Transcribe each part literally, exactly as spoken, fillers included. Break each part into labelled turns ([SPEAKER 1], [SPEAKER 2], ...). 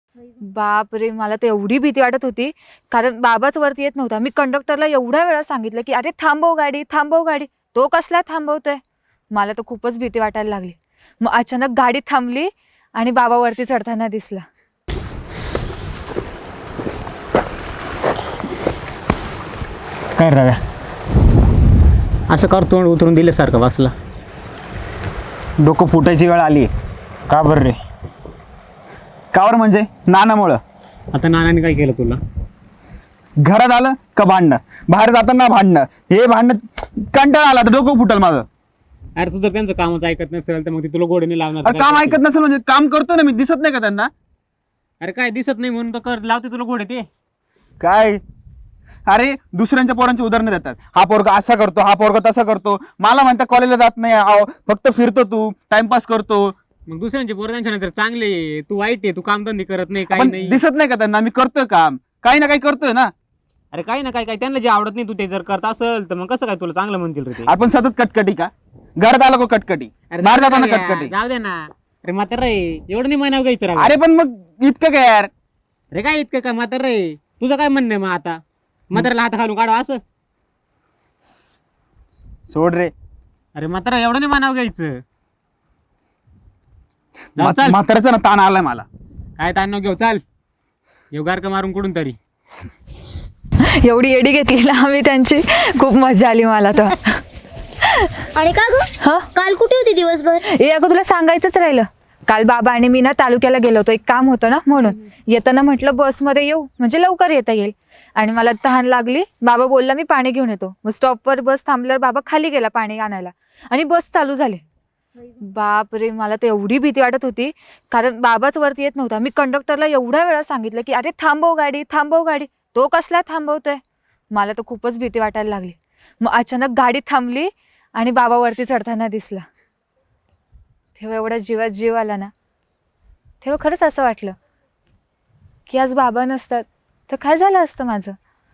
[SPEAKER 1] बाप रे, मला तर एवढी भीती वाटत होती कारण बाबाच वरती येत नव्हता. मी कंडक्टरला एवढ्या वेळा सांगितलं की अरे थांबव गाडी, थांबव गाडी. तो कसला थांबवतोय. मला तर खूपच भीती वाटायला लागली. मग अचानक गाडी थांबली आणि बाबा वरती चढताना दिसला.
[SPEAKER 2] काय रव्या असं कर, तोंड उतरून दिल्यासारखं बसला.
[SPEAKER 3] डोकं फुटायची वेळ आली.
[SPEAKER 2] का बरं रे?
[SPEAKER 3] कावर म्हणजे नानामुळं.
[SPEAKER 2] आता नानाने काय केलं तुला?
[SPEAKER 3] घरात आलं का भांडणं, बाहेर जाताना भांडणं, हे भांडणं कंटाळा आला तर डोकं फुटल माझं.
[SPEAKER 2] अरे तू जर त्यांचं कामच ऐकत नसेल तर मग ते तुला गोडीने लावणार.
[SPEAKER 3] अरे काम ऐकत नसेल म्हणजे काम करतो ना मी, दिसत नाही का त्यांना?
[SPEAKER 2] अरे काय दिसत नाही म्हणून तर कर लावते तुला गोडे ते.
[SPEAKER 3] काय अरे दुसऱ्यांच्या पोरांची उदाहरणं देतात. हा पोरगा असा करतो, हा पोरगा तसा करतो. मला म्हणता कॉलेजला जात नाही, आहो, फक्त फिरतो तू, टाइमपास करतो.
[SPEAKER 2] मग दुसऱ्यांचे पोरं त्यांच्या नंतर चांगले आहे, तू वाईट आहे, तू कामधंदे करत नाही काही
[SPEAKER 3] पण
[SPEAKER 2] नाही.
[SPEAKER 3] दिसत नाही का त्यांना मी करतोय काम, काही ना काही करतोय ना.
[SPEAKER 2] अरे काही ना काय काय त्यांना जे आवडत नाही तू ते जर करत असेल तर मग कसं काय तुला चांगलं म्हणतील रे ते?
[SPEAKER 3] आपण सतत कटकटी का? घरात आला को कटकटी,
[SPEAKER 2] अरे
[SPEAKER 3] बाहेर
[SPEAKER 2] जाऊ
[SPEAKER 3] जाताना
[SPEAKER 2] दे ना,
[SPEAKER 3] कटकटी.
[SPEAKER 2] जाऊ दे ना. अरे म्हातार रे, एवढं नाही म्हणावं घ्यायचं रे.
[SPEAKER 3] अरे पण मग इतकं काय यार.
[SPEAKER 2] अरे काय इतकं काय म्हातार रे, तुझं काय म्हणणं आहे मग आता? म्हाताऱ्याला हात घालून काढवा असं?
[SPEAKER 3] सोड रे.
[SPEAKER 2] अरे म्हातारा एवढं नाही म्हणावं घ्यायचं. जाऊ चल.
[SPEAKER 3] म्हाताऱ्याचा ना ताण आलाय मला.
[SPEAKER 2] काय ताण नको घेऊ, चाल येऊ गारका मारून कुठून तरी.
[SPEAKER 1] एवढी एडी घेतली ना आम्ही त्यांची, खूप मजा आली मला तर.
[SPEAKER 4] आणि का ग
[SPEAKER 1] हा
[SPEAKER 4] काल कुठे होती दिवसभर?
[SPEAKER 1] ए अगं तुला सांगायचंच राहिलं. काल बाबा आणि मी ना तालुक्याला गेलो होतो, एक काम होतं ना म्हणून. येताना म्हटलं बसमध्ये येऊ म्हणजे लवकर येता येईल. आणि मला तहान लागली. बाबा बोलला मी पाणी घेऊन येतो. मग स्टॉपवर बस थांबल्यावर बाबा खाली गेला पाणी आणायला आणि बस चालू झाली. बाप रे, मला तर एवढी भीती वाटत होती कारण बाबाच वरती येत नव्हता. मी कंडक्टरला एवढ्या वेळा सांगितलं की अरे थांबव गाडी, थांबव गाडी. तो कसला थांबवतोय. मला तर खूपच भीती वाटायला लागली. मग अचानक गाडी थांबली आणि बाबा वरती चढताना दिसला. तेव्हा एवढा जीवात जीव आला ना. तेव्हा खरंच असं वाटलं की आज बाबा नसतात तर काय झालं असतं माझं.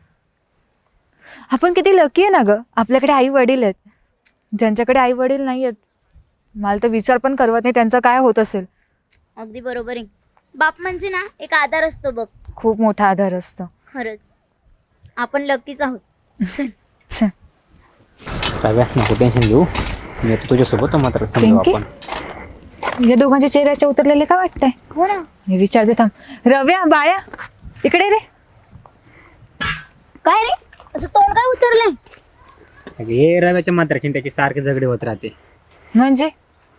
[SPEAKER 1] आपण किती लकी आहे ना गं, आपल्याकडे आई वडील आहेत. ज्यांच्याकडे आई वडील नाही आहेत, मला तर विचार पण करवत नाही त्यांचं काय होत असेल.
[SPEAKER 4] अगदी बरोबर आहे. बाप म्हणजे ना एक आधार असतो बघ.
[SPEAKER 1] खूप मोठा आधार असतो.
[SPEAKER 4] खरंच आपण लकीच आहोत. चल.
[SPEAKER 1] छे,
[SPEAKER 2] रव्या नको टेन्शन घेऊ, मी आता तुझ्यासोबत मात्र समजू
[SPEAKER 1] पिंकी?
[SPEAKER 2] आपण.
[SPEAKER 1] या दोघांच्या चेहऱ्याच्या उतरलेले का वाटतंय.
[SPEAKER 4] हो ना.
[SPEAKER 1] मी विचारते थांब. रव्या, बाया इकडे रे.
[SPEAKER 4] काय रे असं तोंड काय उतरलंय?
[SPEAKER 2] हे रव्याच्या मात्राची त्याची सारखे झगडे होत राहते.
[SPEAKER 1] म्हणजे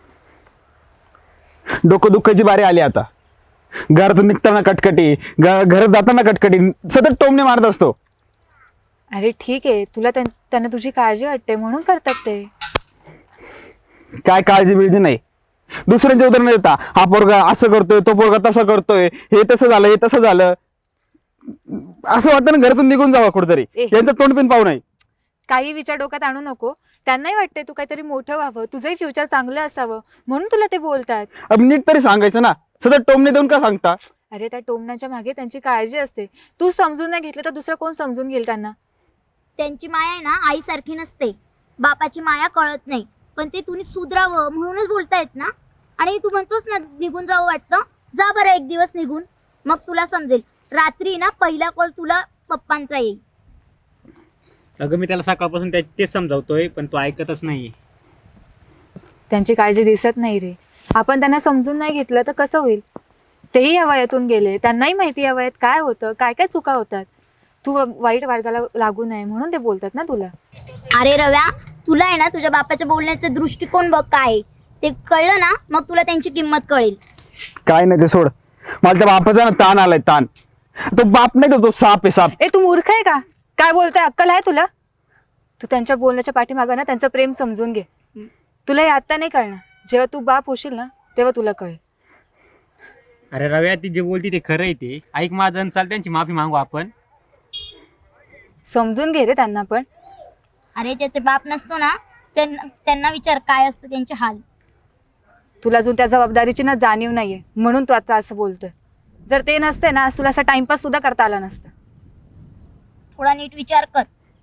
[SPEAKER 3] डोकं दुखायची बारी आली आता. घरातून निघताना कटकटी, घ- घरात जाताना कटकटी, सतत टोमणे मारत असतो.
[SPEAKER 1] अरे ठीक आहे, तुला त्यां- त्यांना तुझी काळजी वाटते म्हणून करतात ते.
[SPEAKER 3] काय काळजी बिळजी नाही. दुसऱ्यांचे उदाहरण देता, हा पोरगा असं करतोय, तो पोरगा तसं करतोय, हे तसं झालं, हे तसं झालं. असं वाटतं ना घरातून निघून जावं कुठेतरी,
[SPEAKER 1] ए.
[SPEAKER 3] यांचं तोंड पण पाहू नाही.
[SPEAKER 1] काही विचार डोक्यात आणू नको. त्यांनाही वाटते तू काहीतरी मोठं व्हावं, तुझंही फ्युचर चांगलं असावं म्हणून तुला ते बोलतात.
[SPEAKER 3] अब नीट तरी सांगायचं ना, सतत टोमणे देऊन का सांगता?
[SPEAKER 1] अरे त्या टोमण्याच्या मागे त्यांची काळजी असते. तू समजून नाही घेतलं तर दुसरं कोण समजून घेईल त्यांना.
[SPEAKER 4] त्यांची माया आहे ना आईसारखी नसते. बापाची माया कळत नाही, पण ते तुम्ही सुधरावं म्हणूनच बोलतायत ना. आणि तू म्हणतोस ना निघून जावं वाटतं, जा बरं एक दिवस निघून, मग तुला समजेल. रात्री ना पहिला कॉल तुला पप्पांचा येईल.
[SPEAKER 2] अगं मी त्याला सकाळपासून त्या तेच समजावतोय पण तो ऐकतच नाही.
[SPEAKER 1] त्यांची काळजी दिसत नाही रे. आपण त्यांना समजून नाही घेतलं तर कसं होईल. तेही या वयातून गेले, त्यांनाही माहिती या वयात काय होतं, काय काय चुका होतात. तू वाईट मार्गाला लागू नये म्हणून ते बोलतात ना तुला.
[SPEAKER 4] अरे रव्या, तुला आहे ना तुझ्या बापाच्या बोलण्याचा दृष्टिकोन बघ काय आहे. ते कळलं ना मग तुला त्यांची किंमत कळेल.
[SPEAKER 3] काय नाही ते सोड. मला त्या बापाचा ना ताण आलाय, ताण. तो बाप नाही तो, तो साप आहे, साप.
[SPEAKER 1] ए तू मूर्ख आहे का? काय बोलतोय, अक्कल आहे तुला? तू त्यांच्या बोलण्याच्या पाठीमागं ना त्यांचं प्रेम समजून घे. तुला हे आत्ता नाही कळणार, जेव्हा तू बाप होशील ना तेव्हा तुला कळेल.
[SPEAKER 2] अरे रव्या ती जे बोलती ते खरं आहे, ते ऐक माझं, चाल त्यांची माफी मागू आपण.
[SPEAKER 1] समजून घे रे त्यांना पण.
[SPEAKER 4] अरे ज्याचे बाप नसतो ना त्यांना त्यांना विचार काय असतं त्यांचे हाल.
[SPEAKER 1] तुला अजून त्या जबाबदारीची ना जाणीव नाहीये म्हणून तू आता असं बोलतोय. जर ते नसते ना तुला असा टाइमपास सुद्धा करता आला नसता.
[SPEAKER 4] थोडा नीट विचार कर.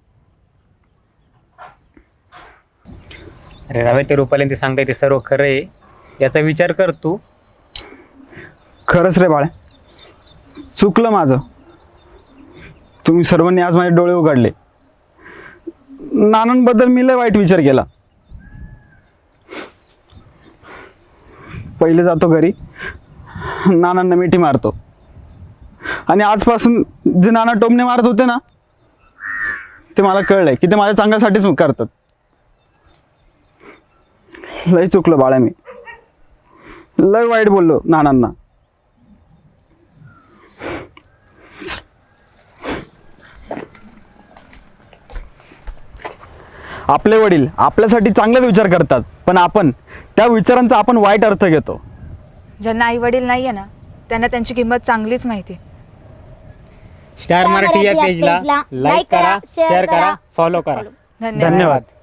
[SPEAKER 2] अरे रव्या ते रुपाली ते सांगताय ते सर्व खरं आहे, याचा विचार कर तू.
[SPEAKER 3] खरंच रे बाळा, चुकलं माझं. तुम्ही सर्वांनी आज माझे डोळे उघडले. नानांबद्दल मी लय वाईट विचार केला. पहिले जातो घरी, नानांना मिठी मारतो, आणि आजपासून जे नाना टोमणे मारत होते ना, ते मला कळलंय की ते माझ्या चांगल्यासाठीच करतात. लय चुकलं बाळा, मी लय वाईट बोललो नानांना. आपले वडील आपल्यासाठी चांगलाच विचार करतात, पण आपण त्या विचारांचा आपण वाईट अर्थ घेतो.
[SPEAKER 1] ज्यांना आई वडील नाहीये ना, त्यांना त्यांची किंमत चांगलीच माहिती.
[SPEAKER 2] स्टार मराठी या पेजला लाईक करा, शेअर करा, फॉलो करा.
[SPEAKER 1] धन्यवाद.
[SPEAKER 3] धन्यवाद.